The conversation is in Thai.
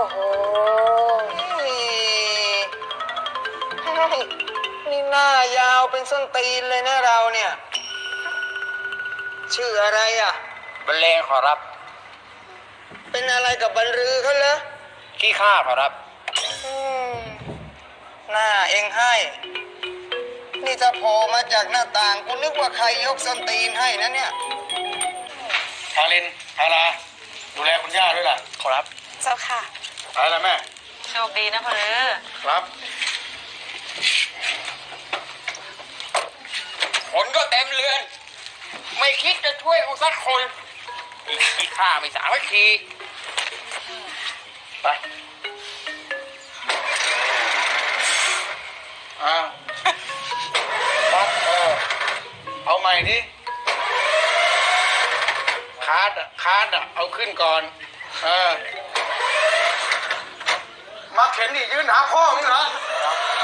โหนี่หน้ายาวเป็นส้นตีนเลยนะเราเนี่ยชื่ออะไรอ่ะบรรเลงขอรับเป็นอะไรกับบรรลือเขาเหรอขี้ข้าขอรับอืมหน้าเองให้นี่จะโผล่มาจากหน้าต่างกูนึกว่าใครยกส้นตีนให้นะเนี่ยทารินทาราดูแลคุณย่าด้วยล่ะขอรับเจ้าค่ะไปแล้วแม่โชคดีนะพ่อเลือครับคนก็เต็มเรือนไม่คิดจะช่วยกูสักคนอีกขี้ข้าไม่สามัคคีไปปั๊บเอาใหม่ดิคาร์ดเอาขึ้นก่อนมาเข็นดิยืนหาพ่อมึงเหรอ